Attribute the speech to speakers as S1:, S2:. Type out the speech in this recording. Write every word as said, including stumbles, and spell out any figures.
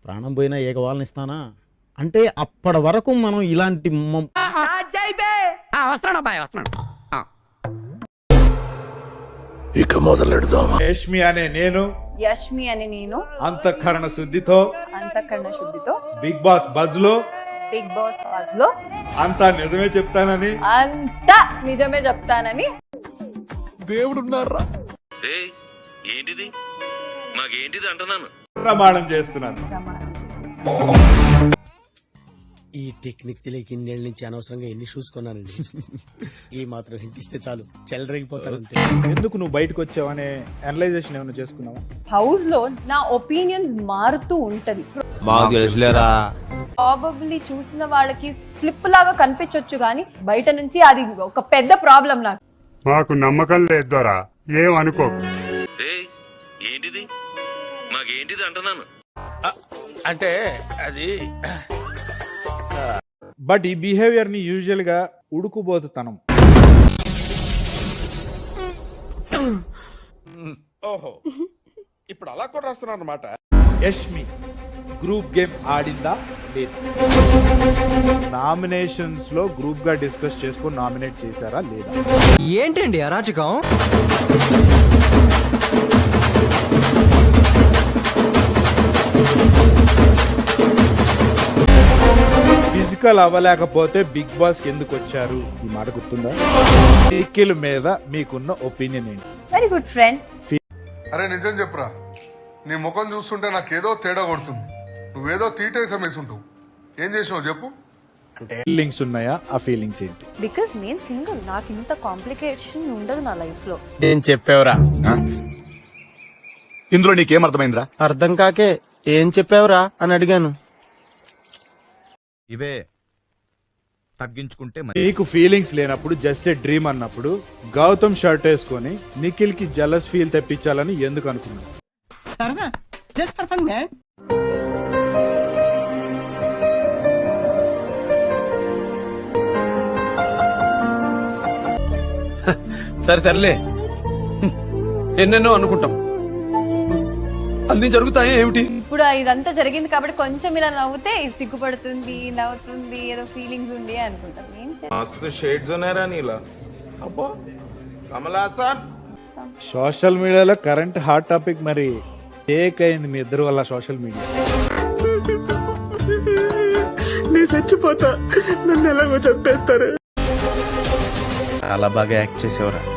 S1: ప్రాణం పోయినా ఏకవాళ్ళని ఇస్తానా అంటే అప్పటి వరకు మనం ఇలాంటి
S2: ఇక మొదలెడదామా?
S3: యష్మి అనే నేను
S4: యష్మి అని నేను
S3: అంతఃకరణ శుద్ధితో
S4: అంతఃకరణ శుద్ధితో
S3: బిగ్ బాస్ బజ్ లో
S4: బిగ్ బాస్ బాస్ లో
S3: అంతా నిజమే చెప్తానని
S4: అంతా నిజమే చెప్తానని
S2: దేవుడున్నారా?
S5: ఏంటిది మాకేంటిది అంటున్నాను
S3: ప్రమాణం చేస్తున్నాను.
S4: ప్రమాణం చేస్తాను.
S6: ఈ టెక్నిక్ తెలియక ఇన్నేళ్ళ నుంచి అనవసరంగా ఎన్ని షూస్ కొన్నానండి. ఈ మాత్రం హింట్ ఇస్తే చాలు చెలరేగిపోతారు అంతే.
S3: ఎందుకు నువ్వు బయటకు వచ్చావనే అనలైజేషన్ ఏమైనా చేసుకున్నావా?
S4: హౌస్ లో నా ఒపీనియన్స్ మారుతూ ఉంటది. ప్రాబబ్లీ చూసిన వాళ్ళకి ఫ్లిప్ లాగా కనిపించొచ్చు కానీ బయట నుంచి అది ఒక పెద్ద ప్రాబ్లం నాకు.
S7: మాకు నమ్మకం లేదు దొరా, ఏం అనుకోకు.
S5: ఏంటిది మాకేంటిది అంటున్నాను
S2: అంటే అది
S3: బట్ ఈ బిహేవియర్ ని యూజువల్ గా ఉడుకుబోతుతనం.
S2: ఓహో, ఇప్పుడు అలా కూడా రాస్తున్నారు అన్నమాట.
S3: యష్మి గ్రూప్ గేమ్ ఆడిందా లేదా? నామినేషన్స్ లో గ్రూప్ గా డిస్కస్ చేసుకొని నామినేట్ చేశారా లేదా?
S8: ఏంటండి అరాచకం?
S3: ఫిజికల్ అవ్వలేకపోతే బిగ్ బాస్ కి ఎందుకు వచ్చారు? ఈ మాట గుర్తుందా? నిఖిల్ మీద మీకున్న ఒపీనియన్ ఏంటి?
S4: Very good friend.
S9: అరే నిజం చెప్పురా, నీ ముఖం చూస్తుంటే నాకేదో తేడా కొడుతుంది. నువ్వేదో తీటేసా మేసుంటావు. ఏం చేసావు చెప్పు.
S3: ఫీలింగ్స్ ఉన్నాయా? ఆ ఫీలింగ్స్ ఏంటి?
S10: బికాస్ నేను సింగిల్, నాకు ఇంత కాంప్లికేషన్ ఉండదు నా లైఫ్ లో.
S6: ఏం చెప్పావురా?
S2: ఇందులో నీకేం అర్థమైందిరా?
S6: అర్థం కాకే ఏం చెప్పావురా అని అడిగాను.
S5: ఇవే తగ్గించుకుంటే
S3: నీకు ఫీలింగ్స్ లేనప్పుడు జస్ట్ ఏ డ్రీమ్ అన్నప్పుడు గౌతమ్ షర్ట్ వేసుకొని నిఖిల్ కి జలస్ ఫీల్ తెప్పించాలని ఎందుకు అనుకున్నావు?
S8: సరదా జస్ట్ ఫర్ ఫన్ మ్యాన్.
S6: సరే తరలే, ఎన్నెన్నో అనుకుంటాం, అన్ని జరుగుతాయి ఏమిటి?
S4: ఇప్పుడు ఇదంతా జరిగింది కాబట్టి కొంచెం ఇలా నవ్వుతే సిగ్గుపడుతుంది, నవ్వుతుంది, ఏదో ఫీలింగ్స్ ఉంది అనుకుంటాం. ఏం
S3: సోషల్ మీడియాలో కరెంట్ హాట్ టాపిక్ మరి టేక్ అయింది మీ ఇద్దరు వల్ల సోషల్ మీడియా.
S6: నేను చచ్చిపోతా, నన్ను ఎలాగో చంపేస్తారు. చాలా బాగా యాక్ట్ చేసేవరా.